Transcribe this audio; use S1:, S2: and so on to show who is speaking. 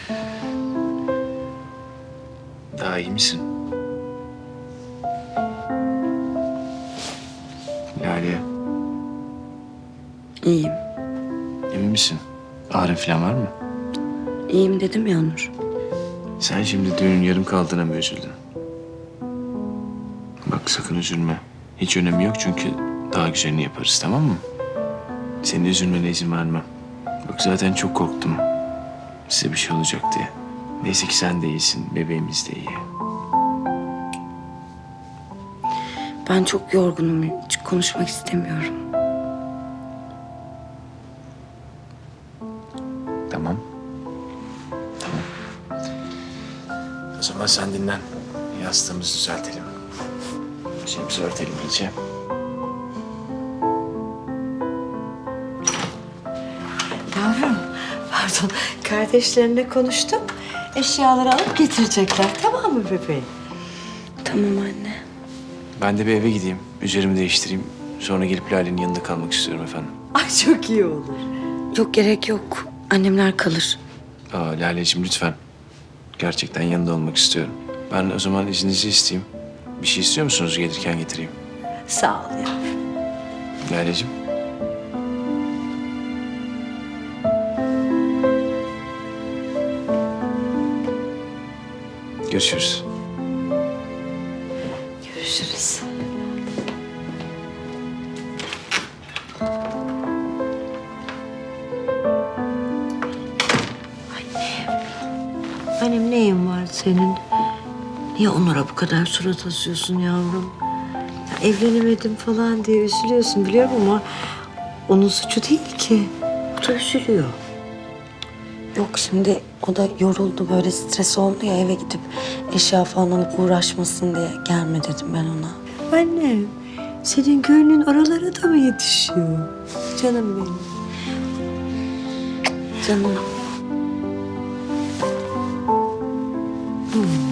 S1: Daha iyi misin? Lale,
S2: İyiyim.
S1: emin misin? Ağrın falan var mı?
S2: İyiyim dedim ya Onur.
S1: Sen şimdi düğünün yarım kaldığına mı üzüldün? Bak sakın üzülme. Hiç önemi yok çünkü daha güzelini yaparız, tamam mı? Senin üzülmene izin vermem. Bak zaten çok korktum. Size bir şey olacak diye. Neyse ki sen de iyisin, bebeğimiz de iyi.
S2: Ben çok yorgunum. Hiç konuşmak istemiyorum.
S1: Tamam. Tamam. O zaman sen dinlen. Yastığımızı düzeltelim. Şeyimizi örtelim iyice.
S3: Yavrum, pardon. Kardeşlerine konuştum. Eşyaları alıp getirecekler. Tamam mı bebeğim?
S2: Tamam anne.
S1: Ben de bir eve gideyim. Üzerimi değiştireyim. Sonra gelip Lale'nin yanında kalmak istiyorum efendim.
S3: Ay çok iyi olur.
S2: Yok gerek yok. Annemler kalır.
S1: Lale'cim lütfen. Gerçekten yanında olmak istiyorum. Ben o zaman izninizi isteyeyim. Bir şey istiyor musunuz gelirken getireyim?
S3: Sağ ol yavrum.
S1: Lale'cim. Görüşürüz.
S3: Görüşürüz. Annem neyin var senin? Niye Onur'a bu kadar surat asıyorsun yavrum? Ya evlenemedim falan diye üzülüyorsun biliyorum ama onun suçu değil ki. O da üzülüyor.
S2: Yok şimdi o da yoruldu böyle stres oldu ya eve gidip eşya falan alıp uğraşmasın diye gelme dedim ben ona.
S3: Annem, senin gönlün oralara da mı yetişiyor? Canım benim.
S2: Canım.
S3: Hmm.